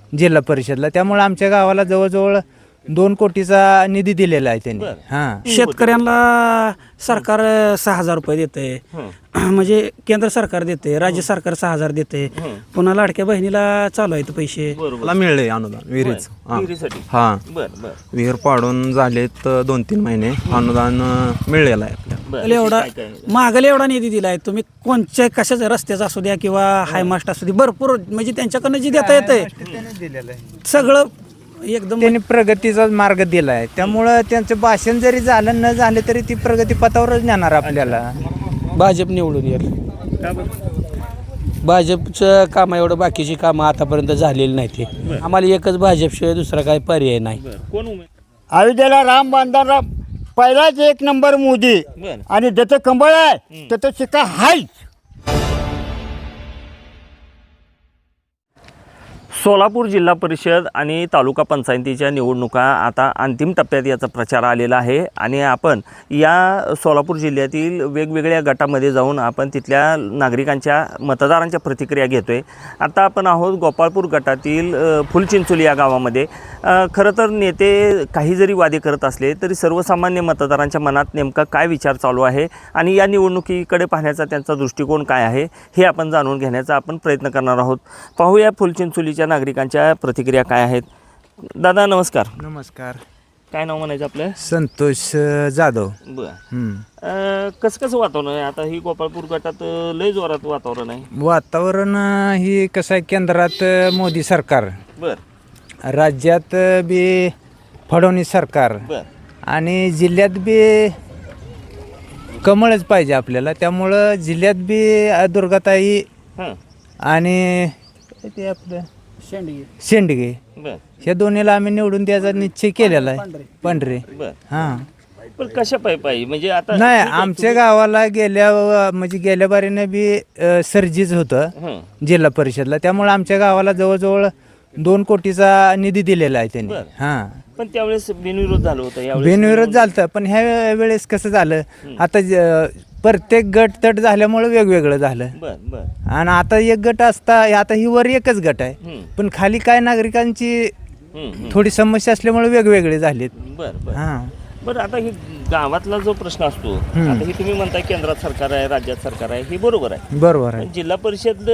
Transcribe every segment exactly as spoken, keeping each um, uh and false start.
जिल्हा परिषदला. त्यामुळे आमच्या गावाला जवळजवळ दोन कोटीचा निधी दिलेला आहे त्यांनी. हां, शेतकऱ्यांना सरकार सहा हजार रुपये देते, म्हणजे केंद्र सरकार देते, राज्य सरकार सहा हजार देते, पुन्हा लाडक्या बहिणीला चालू आहेत पैसे. मला मिळले अनुदान विहिरीच. विहिरीसाठी. हा बर बर विहीर पाडून झालेत दोन तीन महिने, अनुदान मिळलेलं आहे आपल्याला. बर मागले एवढा काय काय? मागले एवढा निधी दिलाय. तुम्ही कोणत्या कशाचा रस्त्याचा असू द्या किंवा हायमास्ट असू द्या, भरपूर म्हणजे त्यांच्याकडनं जे देता येतंय दिलेलं आहे. सगळं एकदम त्यांनी प्रगतीचा मार्ग दिला आहे. त्यामुळं त्यांचं भाषण जरी झालं न झालं तरी ती प्रगती पथावरच नेणार आपल्याला. भाजप निवडून येईल. का बरं? भाजपचं काम एवढं बाकीची कामं आतापर्यंत झालेली नाही. ते आम्हाला एकच भाजपशिवाय दुसरा काही पर्याय नाही. बर कोण उमेद? अयोध्येला राम बांधणारा पहिलाच एक नंबर मोदी बर आणि ज्याचं कंबळ आहे त्याचं शिक्का हाय. सोलापूर जिल्हा परिषद आणि तालुका पंचायतीच्या निवडणुका आता अंतिम टप्प्यात याचा प्रचार आलेला आहे आणि आपण या सोलापूर जिल्ह्यातील वेगवेगळ्या गटामध्ये जाऊन आपण तिथल्या नागरिकांच्या मतदारांच्या प्रतिक्रिया घेतो आहे. आता आपण आहोत गोपाळपूर गटातील अ, फुलचिंचोली या गावामध्ये. अ, खरं तर नेते काही जरी वादे करत असले तरी सर्वसामान्य मतदारांच्या मनात नेमका काय विचार चालू आहे आणि या निवडणुकीकडे पाहण्याचा त्यांचा दृष्टिकोन काय आहे हे आपण जाणून घेण्याचा आपण प्रयत्न करणार आहोत. पाहूया फुलचिंचोलीच्या नागरिकांच्या प्रतिक्रिया काय आहेत. दादा नमस्कार. नमस्कार. काय नाव म्हणायचं आपलं? संतोष अ, जाधव. बरं. हम्म. अं, कसं कसं वातावरण आहे आता? ही गोपाळपूर गटात अं, लय जोरात वातावरण आहे. वातावरण अ, ही कसं आहे, केंद्रात अ, मोदी सरकार, बर राज्यात अ, बी फडणवीस सरकार बर आणि जिल्ह्यात बी कमळच पाहिजे आपल्याला. त्यामुळं जिल्ह्यात बी अ, दुर्गाताई हां आणि ते आपलं शेंडगे शेंडगे बर ह्या दोन्हीला आम्ही निवडून द्यायचा निश्चय केलेला आहे. पांढरे. बर हां. पण कशा पायी पाहिजे म्हणजे आता नाही, आमच्या गावाला गेल्या म्हणजे गेल्या बारीनं बी अ, सर्जीच होतं हं. जिल्हा परिषदला. त्यामुळे आमच्या गावाला जवळजवळ दोन कोटीचा निधी दिलेला आहे त्यांनी. बरं. हां, पण त्यावेळेस बिनविरोध झालं होतं. यावेळेस बिनविरोध झालं. पण ह्या वेळेस कसं झालं, आता ज- प्रत्येक गट तट झाल्यामुळे वेगवेगळं झालं. बर बर आणि आता एक गट असता, आता ही वर एकच गट आहे, हं. पण खाली काय नागरिकांची हं, हं. थोडी समस्या असल्यामुळे वेगवेगळे झालेत. बर बर हां, बरं आता ही गावातला जो प्रश्न असतो, आता ही तुम्ही म्हणताय केंद्रात सरकार आहे राज्यात सरकार आहे, हे बरोबर आहे. बरोबर आहे. पण जिल्हा परिषद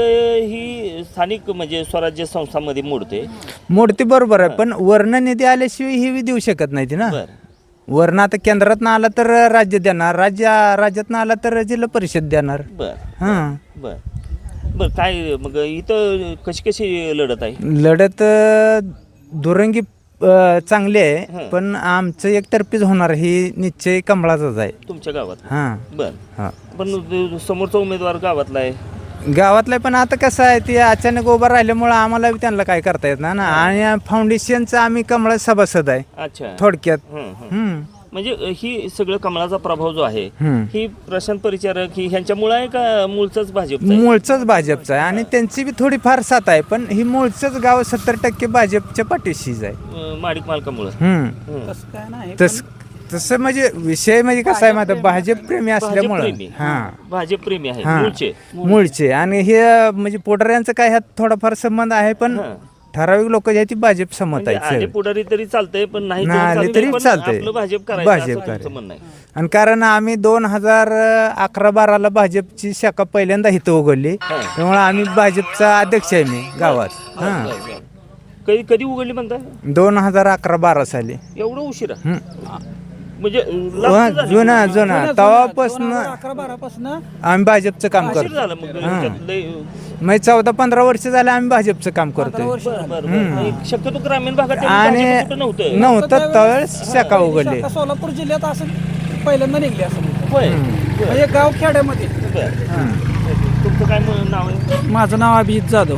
ही स्थानिक म्हणजे स्वराज्य संस्थांमध्ये मोडते. मोडती बरोबर आहे, पण वर्ण निधी आल्याशिवाय ही बी देऊ शकत नाही ती ना. बर वर्ण आता केंद्रात आला तर राज्य देणार, राज्य राज्यात आला तर जिल्हा परिषद देणार. बर हां, बर बर काय मग इथं कशी कशी लढत आहे? लढत अ, दुरंगी अ, चांगली आहे, हं. पण आमचं एकतर्फीच होणार ही निश्चय कमळाचाच आहे. तुमच्या गावात? हां, बर हां. पण समोरचा उमेदवार गावातला आहे. गावातलं पण आता कसं आहे, ते अचानक उभं राहिल्यामुळं आम्हाला बी त्यांना काय करता येत नाही ना. आणि फाउंडेशनचं आम्ही कमळा सभासद आहे अच्छा. थोडक्यात. हं, हं. हम्म, म्हणजे ही सगळं कमळाचा प्रभाव जो आहे हम्म. ही प्रशांत परिचारक ही ह्यांच्यामुळे आहे का मूळचाच भाजप? मूळचंच भाजपचं आहे आणि त्यांची बी थोडी फार साथ आहे, पण ही मूळचंच गाव सत्तर टक्के भाजपच्या पाठीशीच आहे. माडिक मालकामुळे. हम्म. तसं काय नाही. तस तसं म्हणजे विषय म्हणजे कसं आहे माझा, भाजप प्रेमी असल्यामुळं. भाजपप्रेमी. हां, भाजप प्रेमी आहे हां. मूळचे. मूळचे. आणि हे म्हणजे पोटाऱ्यांचं काय ह्यात थोडाफार संबंध आहे, पण हां. ठराविक लोक जे आहेत ती भाजप समत म्हणजे आले आहेत. पुढारी तरी चालतंय पण नाही नाही आले चालतंय, तरी पण चालतंय. आपलं भाजप करायचं भाजप असं तुमचं करायचं. म्हणणं आहे. आणि कारण आम्ही दोन हजार अकरा बाराला भाजपची शाखा पहिल्यांदा इथं उघडली, हां. त्यामुळे आम्ही भाजपचा अध्यक्ष आहे मी गावात. हां, बरं, बरं. कधी कधी उघडली म्हणताय? दोन हजार अकरा बारा साली. एवढं उशिरा हं. म्हणजे वा, लास्ट झाली. जुना जुना तेव्हापासून अकरा बारा पासून आम्ही भाजपचं काम उशीर करतो. झालं मग हां. त्यात लय- म्हणजे चौदा पंधरा वर्ष झाले आम्ही भाजपचं काम करतोय. बरं, बरं, बरं. आणि शक्यतो ग्रामीण भागात तेवढं आणि भाजप कुठं नव्हतं. नव्हतं त्यावेळेस शाखा उघडली. सोलापूर जिल्ह्यात असं पहिल्यांदा निघले असं होय. म्हणजे गाव खेड्यामध्ये. बरं. तुमचं काय म- नाव आहे? माझं नाव अभिजित जाधव.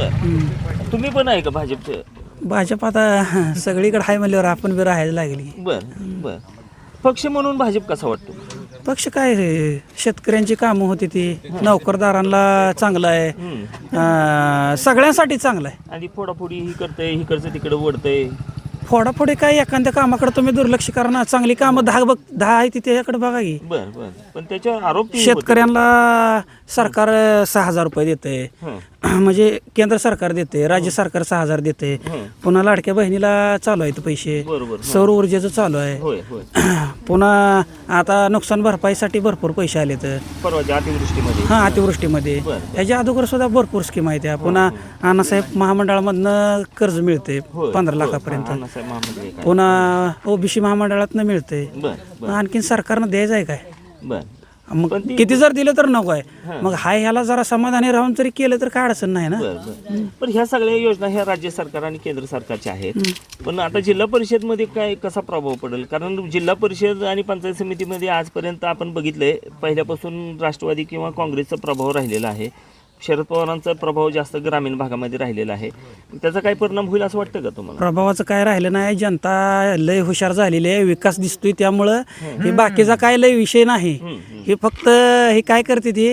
बरं. तुम्ही पण आहे का भाजपचं? भाजप आता सगळीकडे आहे म्हणल्यावर आपण बी राहायला लागली. बरं बरं. पक्ष म्हणून भाजप कसा वाटतो? पक्ष काय रे, शेतकऱ्यांची कामं होती ती, नोकरदारांना चांगलं आहे, हम्म. अं, सगळ्यांसाठी चांगलं आहे. आणि फोडाफोडी ही करतंय, ही करतं तिकडे ओढतंय. फोडाफोडी काय एखाद्या कामाकडे तुम्ही दुर्लक्ष करा ना. चांगली कामं दहा बघ दहा आहे ती त्याच्याकडे बघा की. बर बर पण त्याच्यावर आरोप ते होते. शेतकऱ्यांना सरकार सहा हजार रुपये देते, हं. म्हणजे केंद्र सरकार देते, राज्य सरकार सहा हजार देते, पुन्हा लाडक्या बहिणीला चालू आहेत पैसे, बरोबर. सौर ऊर्जेचं चालू आहे, होय होय पुन्हा आता नुकसान भरपाईसाठी भरपूर पैसे आले तर परवाच्या अतिवृष्टीमध्ये हां अतिवृष्टीमध्ये बरं. ह्याच्या अगोदर सुद्धा भरपूर स्कीम आहेत त्या. पुन्हा अण्णासाहेब महामंडळामधनं कर्ज मिळते होय, पंधरा होय. लाखापर्यंत, अण्णासाहेब महामंडळ काय. पुन्हा ओबीसी महामंडळातनं मिळते. बर बर आणखीन सरकारनं द्यायचं आहे काय? बर मग पण ती- किती जर दिलं तर नको आहे. मग हाय ह्याला जरा समाधानी राहून जरी केलं तर काय अडचण नाही ना. बर बर पण ह्या सगळ्या योजना ह्या राज्य सरकार आणि केंद्र सरकारच्या आहेत. पण आता जिल्हा परिषदमध्ये काय कसा प्रभाव पडेल? कारण जिल्हा परिषद आणि पंचायत समितीमध्ये आजपर्यंत आपण बघितलंय पहिल्यापासून राष्ट्रवादी किंवा काँग्रेसचा प्रभाव राहिलेला आहे. शरद पवारांचा प्रभाव जास्त ग्रामीण भागामध्ये राहिलेला आहे. त्याचा काय परिणाम होईल असं वाटतं का तुम्हाला? प्रभावाचं काय राहिलं नाही. जनता लय हुशार झालेली आहे, विकास दिसतोय, त्यामुळं हे बाकीचा काय लय विषय नाही. हे फक्त हे काय करते ती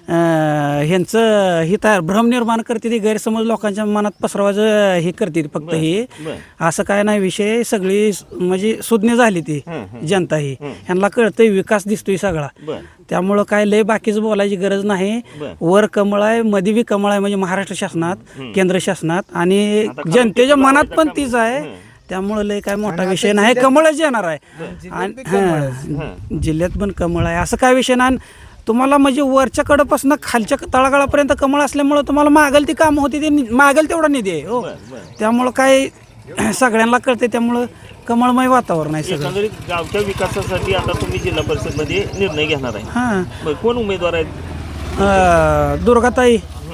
अं, ह्यांचं हे तयार भ्रम निर्माण करते ती, गैरसमज लोकांच्या मनात पसरवायचं हे करते ती फक्त. हे असं काय नाही विषय. सगळी म्हणजे सुज्ञ झाली ती जनता ही. ह्यांना कळतंय विकास दिसतोय सगळा, त्यामुळं काय लय बाकीचं बोलायची गरज नाही. वर कमळ आहे, मध्ये बी कमळ आहे, म्हणजे महाराष्ट्र शासनात, केंद्र शासनात, आणि जनतेच्या मनात पण तीच आहे. त्यामुळं लय काय मोठा विषय नाही. कमळच येणार आहे आणि हां, जिल्ह्यात पण कमळ आहे. असं काय विषय नाही. तुम्हाला म्हणजे वरच्या कडेपासून खालच्या तळागाळापर्यंत कमळ असल्यामुळं तुम्हाला मागेल ती कामं होती, ते मागेल तेवढा निधी आहे हो. त्यामुळं काय सगळ्यांना कळते, त्यामुळं कमळमय वातावरण आहे सगळं. एकंदरीत गावच्या विकासासाठी आता तुम्ही जिल्हा परिषदमध्ये निर्णय घेणार आहे. हां, बरं, कोण उमेदवार आहेत? अं, दुर्गाताई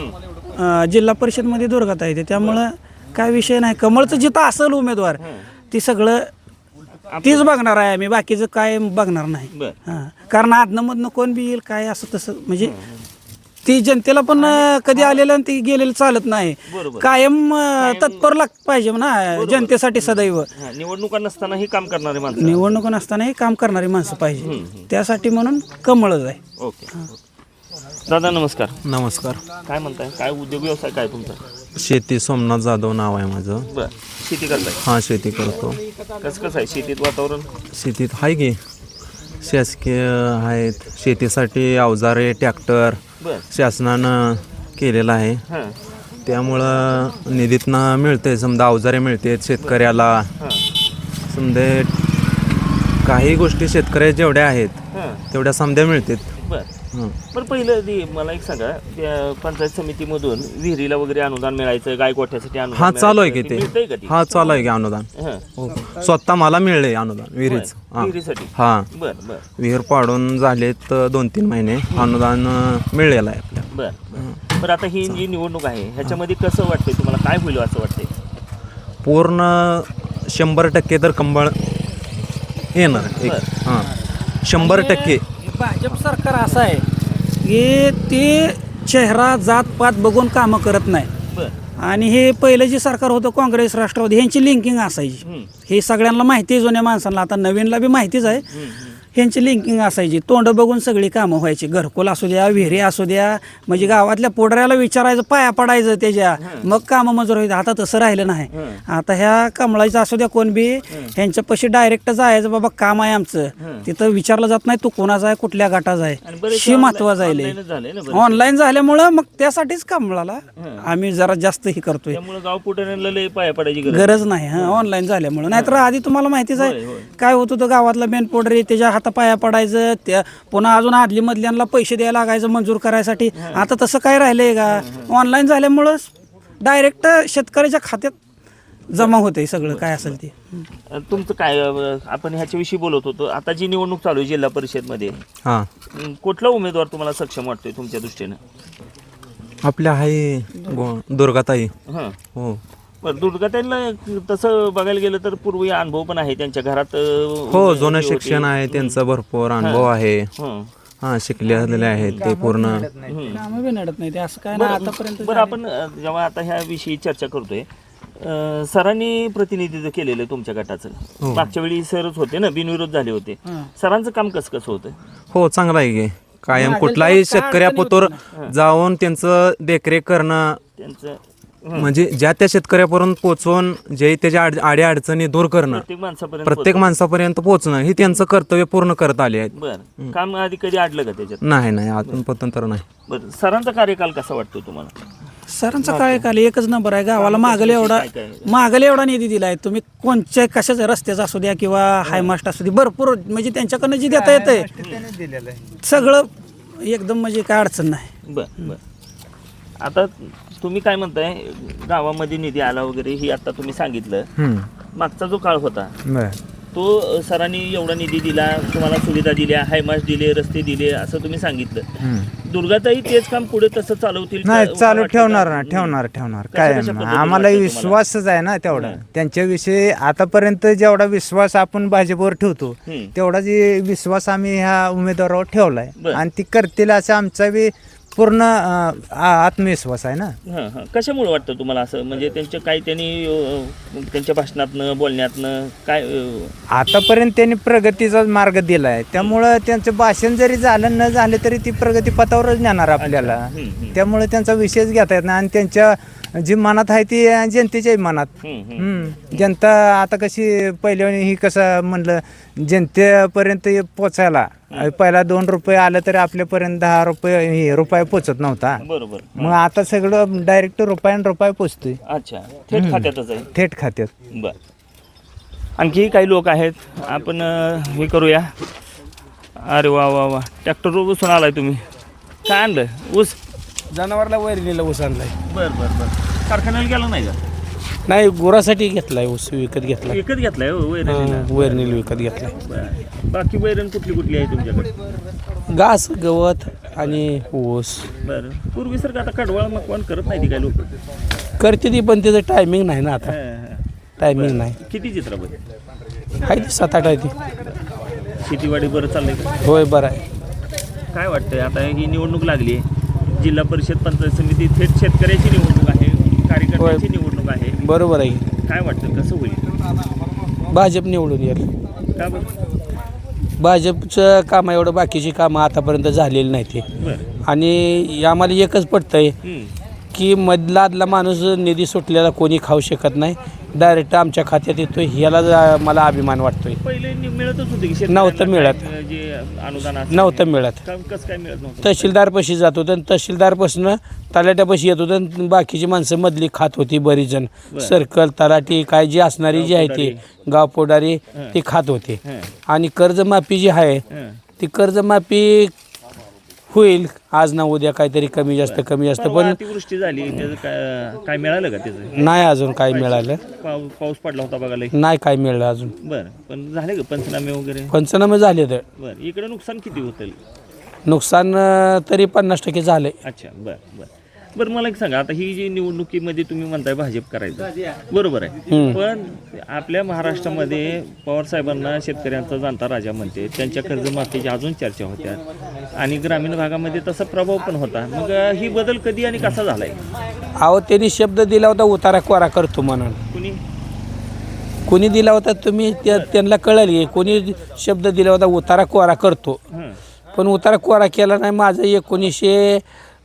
अं, जिल्हा परिषदमध्ये दुर्गाताई ते. त्यामुळं काय विषय नाही. कमळचं जिथं असेल उमेदवार ती सगळं तीच बघणार आहे आम्ही, बाकीचं काय बघणार नाही. बरं. हां, कारण आदनं मधनं कोण बी येईल काय असं तसं म्हणजे ती जनतेला पण अं, कधी आलेलं आणि ती गेलेलं चालत नाही. बरोबर. कायम अं, तत्पर लाग पाहिजे ना जनतेसाठी सदैव. हा, निवडणुका नसतानाही काम करणारे माणसं. निवडणूक नसतानाही काम करणारी माणसं पाहिजे. त्यासाठी म्हणून कमळच आहे. ओके दादा नमस्कार. नमस्कार. काय म्हणताय? काय उद्योग व्यवसाय काय तुमचा? शेती सोमनाथ जाधव नाव आहे माझं. बर शेती करताय? हां शेती करतो. कसं कसं आहे शेतीत वातावरण? शेतीत आहे की शासकीय आहेत, शेतीसाठी अवजारे ट्रॅक्टर बर शासनानं केलेलं आहे. हां त्यामुळं निधीतनं मिळते, समजा अवजारे मिळते शेतकऱ्याला. हां समजे काही गोष्टी शेतकऱ्या जेवढ्या आहेत हां तेवढ्या समध्या मिळतात. बर हं. बरं पहिलं ती मला एक सांगा, त्या पंचायत समितीमधून विहिरीला वगैरे अनुदान मिळायचं, गाय गोठ्यासाठी अनुदान हा चालू आहे की मिळायचं, ते. मिळतंय का ते? हा चालू आहे की अनुदान. हां हो. स्वतः मला मिळले अनुदान विहिरीच. बरं, विहिरीसाठी? हा बर बर विहीर पाडून झालेत दोन तीन महिने, अनुदान अं, मिळलेलं आहे आपल्याला. बर बर बरं आता ही जी निवडणूक आहे ह्याच्यामध्ये कसं वाटतंय तुम्हाला? काय होईल असं वाटतंय? पूर्ण शंभर टक्के तर कंबळ येणार एक. हां शंभर टक्के. भाजप सरकार असं आहे की ते चेहरा जात पात बघून कामं करत नाही. बर आणि हे पहिलं जे सरकार होतं काँग्रेस राष्ट्रवादी ह्यांची लिंकिंग असायची. हे सगळ्यांना माहिती आहे, जुन्या माणसांना, आता नवीनला बी माहितीच आहे. ह्यांची लिंकिंग असायची, तोंड बघून सगळी कामं व्हायची. घरकुल असू द्या, विहिरी असू द्या, म्हणजे गावातल्या पोडऱ्याला विचारायचं, पाया पडायचं त्याच्या, मग कामं मंजूर व्हायचं. आता तसं राहिलं नाही. आता ह्या कमळाचं असू द्या कोण बी, ह्यांच्यापाशी डायरेक्ट जायचं, बाबा काम आहे आमचं, तिथं विचारलं जात नाही तू कोणाचा आहे, कुठल्या गटाचा आहे, शी महत्वाचं आहे. झालंय ना. ऑनलाईन झाल्यामुळं मग त्यासाठीच कमळाला आम्ही जरा जास्त हे करतोय. त्यामुळे गाव पुढाऱ्यांना लय पाया पडायची गरज गरज नाही. हा ऑनलाईन झाल्यामुळं. नाहीतर आधी तुम्हाला माहितीच आहे काय होत होतं, गावातला मेन पोडरी त्याच्या हाता पाया पडायचं, त्या पुन्हा अजून आदली मधल्यांना पैसे द्यायला लागायचं मंजूर करायसाठी. आता तसं काय राहिलंय का? ऑनलाईन झाल्यामुळं डायरेक्ट शेतकऱ्याच्या खात्यात जमा होते सगळं काय असेल ते. तुमचं काय अं, आपण ह्याच्याविषयी बोलत होतो. आता जी निवडणूक चालू आहे जिल्हा परिषदमध्ये, हां अं, कुठला उमेदवार तुम्हाला सक्षम वाटतोय तुमच्या दृष्टीनं? आपल्या आहे गो दुर्गाताई. हां हो बरं दुर्गा त्यांना तसं बघायला गेलं तर पूर्वी अनुभव पण आहे त्यांच्या घरात. अं, हो जुनं होती. शिक्षण आहे त्यांचं, भरपूर अनुभव आहे. हं. हां शिकलेले आहेत ते पूर्ण. कामं बी नडत नाही ते, असं काय नाही आतापर्यंत. बरं आपण अं, जेव्हा आता ह्या विषयी चर्चा करतोय, अं, सरांनी प्रतिनिधित्व केलेलं आहे तुमच्या गटाचं. मागच्या वेळी सरच होते ना, बिनविरोध झाले होते. सरांचं काम कसं कसं होतं? हो चांगलं आहे की. कायम कुठलाही शेतकऱ्यापतोर जाऊन त्यांचं देखरेख करणं, त्यांचं म्हणजे ज्या त्या शेतकऱ्यापर्यंत पोहोचवून जे त्याच्या आड आड्या अडचणी दूर करणं, प्रत्येक माणसापर्यंत प्रत्येक माणसापर्यंत पोहोचणं हे त्यांचं कर्तव्य पूर्ण करत आले आहेत. बरं काम आधी कधी अडलं का त्याच्यात? नाही नाही अजून पतंतर नाही. बरं सरांचा कार्यकाल कसा वाटतो तुम्हाला? सरांचा कार्यकाल एकच नंबर आहे. गावाला मागले एवढा मागले एवढा निधी दिला आहे. तुम्ही कोणत्या कशाच्या रस्त्याचा असू द्या किंवा हायमास्ट असू दे, भरपूर म्हणजे त्यांच्याकडनं जी देता येतंय दिलेलं आहे. सगळं एकदम म्हणजे काय अडचण नाही. बरं बरं आता तुम्ही काय म्हणताय गावामध्ये निधी आला वगैरे ही आता तुम्ही सांगितलं. हम्म. मागचा जो काळ होता बरं. तो अ, सरांनी एवढा निधी दिला, तुम्हाला सुविधा दिल्या, हायमास दिले, रस्ते दिले असं तुम्ही सांगितलं. हम्म. दुर्गाताई तेच काम पुढे तसं चालवतील का? नाही चालू वाटतं ठेवणार का? ना ठेवणार ठेवणार कशा- काय कशा आहे, पद्धतीने आम्हाला वाटतं विश्वासच आहे ना तेवढा त्यांच्याविषयी. आतापर्यंत जेवढा विश्वास आपण भाजपवर ठेवतो हम्म. तेवढा जे विश्वास आम्ही ह्या उमेदवारावर ठेवलाय बरं. आणि ती करतील असा आमचा बी पूर्ण अं, आ- आत्मविश्वास आहे ना. हां हां कशामुळे वाटतं तुम्हाला असं? म्हणजे त्यांच्या काही त्यांनी अ, त्यांच्या भाषणातनं बोलण्यातनं काय अ, आतापर्यंत त्यांनी प्रगतीचा मार्ग दिला आहे, त्यामुळं त्यांचं भाषण जरी झालं न झालं तरी ती प्रगती पथावरच नेणार आपल्याला. हम्म, हम्म. त्यामुळे त्यांचा विषयच घेता येत नाही आणि त्यांच्या जी मनात आहे ती जनतेच्याही मनात. हम्म, हम्म. हम्म. जनता आता कशी पहिल्या ही कसं म्हणलं जनतेपर्यंत पोचायला पहिला दोन रुपये आलं तरी आपल्यापर्यंत दहा रुपये हे रुपये पोचत नव्हता. बरोबर. मग आता सगळं डायरेक्ट रुपयान रुपये पोचतोय अच्छा थेट खात्यातच आहे. थेट खात्यात. बर आणखी काही लोक आहेत आपण अ, हे करूया. अरे वा वा वा ट्रॅक्टर बसून आलाय तुम्ही. काय आणलं? ऊस? जनावरला वैरणीला ऊस आणलाय. बर बर बर कारखान्याला गेला नाही का? नाही गुरासाठी घेतलाय ऊस, विकत घेतलाय. विकत घेतलाय हो वैरणीला? हां, वैरणीला विकत घेतलाय. बरं. बाकी वैरण कुठली कुठली आहे तुमच्याकडे? घास, गवत आणि ऊस बरं पूर्वी सर आता कडवाळ मकवान करत नाही ती काय लोक? करते ती, पण त्याचं टायमिंग नाही ना आता. टायमिंग नाही. किती चित्रपट आहे ती सात आठ आहे ती. शेतीवाडी बरं चाललंय का? होय बरं आहे. काय वाटतंय आता ही निवडणूक लागली आहे, जिल्हा परिषद पंचायत समिती थेट शेतकऱ्याची निवडणूक आहे, कार्यकर्त्याची निवडणूक आहे. बरोबर आहे. काय वाटतं कसं होईल? भाजप निवडून येईल. का बरं? भाजपचं कामं एवढं बाकीची कामं आतापर्यंत झालेली नाही ते. बरं. आणि आम्हाला एकच पटतंय हम्म. की मधला आदला माणूस निधी सुटलेला कोणी खाऊ शकत नाही. डायरेक्ट आमच्या खात्यात येतोय, ह्याला जा- मला अभिमान वाटतोय. पहिले नि- मिळतच होते की नव्हतं मिळत. काय, जे अनुदान असेल नव्हतं मिळत. का- कसं काय मिळत नव्हतं? तहसीलदारपाशी जात होतं आणि तहसीलदारपासून तलाट्यापाशी येत होतं आणि बाकीची माणसं मधली खात होती बरीच जण. सर्कल तलाठी काय जी असणारी जी आहे ती गाव पोडारी ती खात होते. हं. आणि कर्जमाफी जी आहे हं. ती कर्जमाफी होईल आज ना उद्या, काहीतरी कमी जास्त कमी जास्त, परवा पण अतिवृष्टी झाली त्याचं काय काय मिळालं का त्याचं? नाही अजून काय मिळालं. पाऊ- पाऊस पडला होता बघायला. नाही काय मिळालं अजून. बरं पण झाले का पंचनामे वगैरे? पंचनामे झाले तर बरं इकडे नुकसान किती होतं? नुकसान अं, तरी पन्नास टक्के झालंय. अच्छा बरं बरं बरं मला एक सांगा, आता ही जी निवडणुकीमध्ये तुम्ही म्हणताय भाजप करायचं बरोबर आहे, पण आपल्या महाराष्ट्रामध्ये पवार साहेबांना शेतकऱ्यांचा जाणता राजा म्हणते, त्यांच्या कर्जमाफीची अजून चर्चा होत्या आणि ग्रामीण भागामध्ये तसा प्रभाव पण होता. मग ही बदल कधी आणि कसा झालाय? अहो त्यांनी शब्द दिला होता उतारा कोरा करतो म्हणून. कुणी कोणी दिला होता तुम्ही त्या- त्यांना कळली. कोणी शब्द दिला होता उतारा कोरा करतो, हं. पण उतारा कोरा केला नाही. माझं एकोणीसशे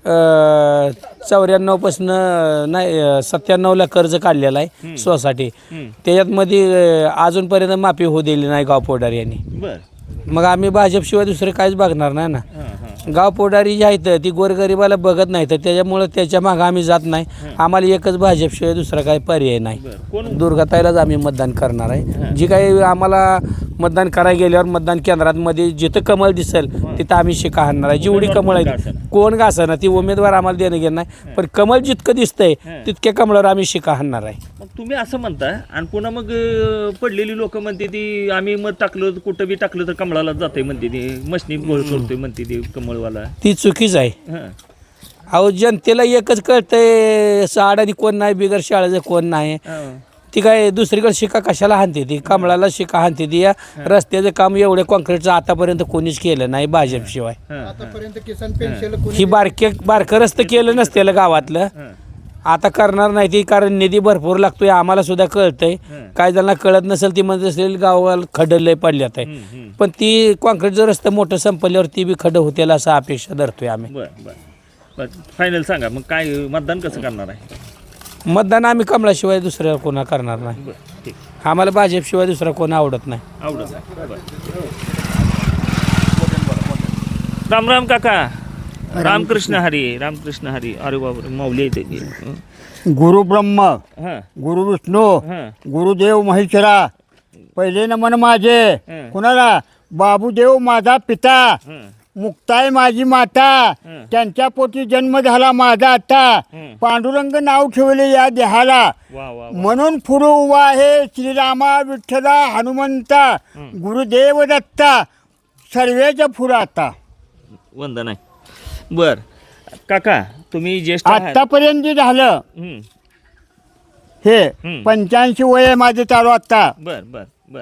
चौऱ्याण्णव पासून नाही सत्त्याण्णवला कर्ज काढलेलं आहे सोसायटी. त्याच्यातमध्ये अं, अजूनपर्यंत माफी होऊ दिली नाही गाव पोडारी यांनी. बरं मग आम्ही भाजपशिवाय दुसरं काहीच बघणार नाही ना. हां हां गाव पोडारी जी आहेत ती गोरगरिबाला बघत नाही, तर त्याच्यामुळं त्याच्या मागं आम्ही जात नाही. आम्हाला एकच भाजपशिवाय दुसरा काही पर्याय नाही. बरं कोण दुर्गाताईलाच आम्ही मतदान करणार आहे. जी काही आम्हाला मतदान करायला गेल्यावर मतदान केंद्रांमध्ये जिथं कमळ दिसेल तिथं आम्ही शिका हाणणार आहे. जेवढी कमळ आहेत कोण घासना ती उमेदवार आम्हाला देणं घेणं नाही, पण कमळ जितकं दिसतंय तितक्या कमळावर आम्ही शिका हाणणार आहे. मग तुम्ही असं म्हणता आणि पुन्हा मग अं, पडलेली लोक म्हणते ती आम्ही मत टाकलं कुठं बी टाकलं तर कमळाला जाते म्हणते ती, मशनी गोळ करतोय म्हणते ती कमळवाला. ती चुकीच आहे. हां अहो जनतेला एकच कळतंय साडाने कोण नाही, बिगर शाळेचं कोण नाही. हां. ती काय दुसरीकडे शिका कशाला हाणते ती, कमळाला शिका हाणते ती. या रस्त्याचं काम एवढे कॉन्क्रीटचं आतापर्यंत कोणीच केलं नाही भाजपशिवाय. हां ही बारके बारकं रस्तं केलं नसतेलं गावातलं, हां आता करणार नाही ती, कारण निधी भरपूर लागतोय आम्हाला सुद्धा कळतंय. काय जणांना कळत नसेल ती म्हणत असेल गावाला खड्डं लय पडल्यात आहे, पण ती कॉन्क्रीटचं रस्तं मोठं संपल्यावर ती बी खड्डं होतील असं अपेक्षा धरतोय आम्ही. बरं बरं बरं फायनल सांगा मग काय मतदान कसं करणार आहे? मतदान आम्ही कमळाशिवाय दुसऱ्या कोणा करणार नाही. बरं ठीक आम्हाला भाजपशिवाय दुसरा कोण आवडत नाही. आवडत आहे. बरं. राम राम काका. रामकृष्ण हरी. रामकृष्ण हरी. अरे बाबा माऊली आहे त्याची. गुरु ब्रह्म हां गुरु विष्णू हां गुरुदेव महेश्वरा पहिले नमन माझे हं. कुणाला बाबूदेव माझा पिता हां मुक्ताई माझी माता हं. त्यांच्या पोटी जन्म झाला माझा आता हं. पांडुरंग नाव ठेवले या देहाला वा वा वा. म्हणून पुढे उभा आहे श्रीरामा विठ्ठला हनुमंता गुरुदेव दत्ता सर्वेच्या पुढं आता वंदन आहे. बर काका तुम्ही ज्येष्ठ आहात. आतापर्यंत जे झालं हं. हे हं. पंच्याऐंशी वय आहे माझे चालू आता बर बर बर.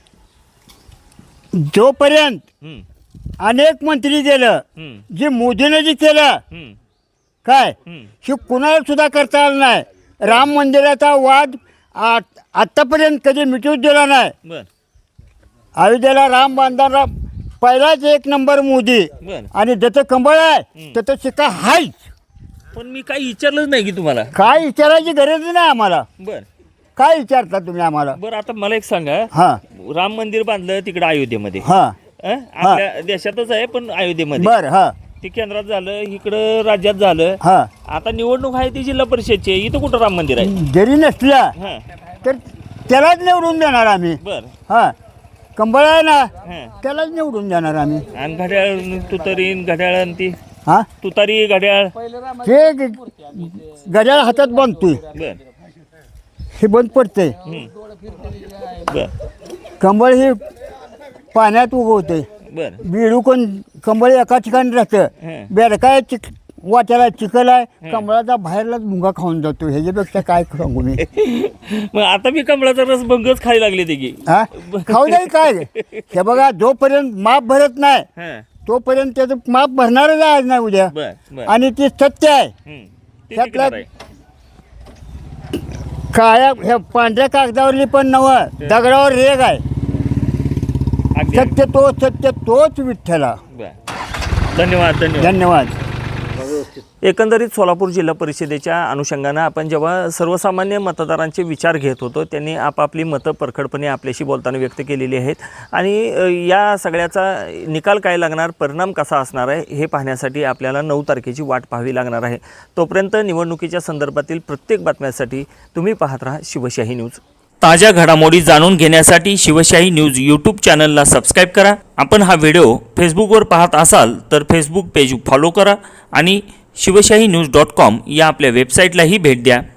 जोपर्यंत हं. अनेक मंत्री गेलं हं. जे मोदीने जे केलं हं. काय हं. हे कुणाला सुद्धा करता आलं नाही. राम मंदिराचा वाद आ- आतापर्यंत कधी मिटूच दिला नाही. बर अयोध्येला राम बांधणारा पहिलाच एक नंबर मोदी बर. आणि ज्याचं कंबळ आहे त्याचं शिका हायच. पण मी काही विचारलंच नाही की तुम्हाला. काय विचारायची गरज नाही आम्हाला. बर काय विचारता तुम्ही आम्हाला. बर आता मला एक सांगा. हा राम मंदिर बांधलं तिकडे अयोध्येमध्ये. हा अं? आपल्या देशातच आहे पण अयोध्येमध्ये. बर हा ते केंद्रात झालं इकडं राज्यात झालं. हा आता निवडणूक आहे ती जिल्हा परिषदची. इथं कुठं राम मंदिर आहे. जरी नसला हां तर त्यालाच निवडून देणार आम्ही. बर हा कंबळ आहे ना हां. त्यालाच निवडून देणार आम्ही. आणि घड्याळ तुतारी घड्याळ आणि ती हा तुतारी घड्याळ. ते ग- गजाळ हातात बांधतोय बर हे बंद पडते. बर कंबळ हे पाण्यात उगवते. बर बिडू कोण कंबळ एका ठिकाणी राहतं. हं. बेडकाय चिक वाट्याला चिखल आहे कंबळाचा बाहेरलाच मुंगा खाऊन जातो. ह्याच्यापेक्षा काय सांगू मी. मग आता मी कमळाचा रस भंगच खायला लागले ते की. हा खाऊ नाही काय हे बघा जोपर्यंत माप भरत नाही हां तोपर्यंत त्याचं माप भरणारच आहे आज नाही उद्या. बर बर. आणि ते सत्य आहे. हं. ते त्यातला- टिकणार आहे. काळ्या ह्या पांढऱ्या कागदावरली पण नवं दगडावर रेग आहे. अगदी सत्य तो सत्य तोच विठ्ठला. बर धन्यवाद धन्यवाद. धन्यवाद. एकंदरीत सोलापूर जिल्हा परिषदेच्या अनुषंगानं आपण जेव्हा सर्वसामान्य मतदारांचे विचार घेत होतो त्यांनी आपापली मतं परखडपणे आपल्याशी बोलताना व्यक्त केलेली आहेत. आणि अ, या सगळ्याचा निकाल काय लागणार परिणाम कसा असणार आहे हे पाहण्यासाठी आपल्याला नऊ तारखेची वाट पाहावी लागणार आहे. तोपर्यंत निवडणुकीच्या संदर्भातील प्रत्येक बातम्यासाठी तुम्ही पाहत राहा शिवशाही न्यूज. ताज्या घडामोडी जाणून घेण्यासाठी शिवशाही न्यूज यूट्यूब चॅनलला सबस्क्राईब करा. आपण हा व्हिडिओ फेसबुकवर पाहत असाल तर फेसबुक पेज फॉलो करा आणि शिवशाही न्यूज डॉट कॉम या आपल्या वेबसाईटलाही भेट द्या.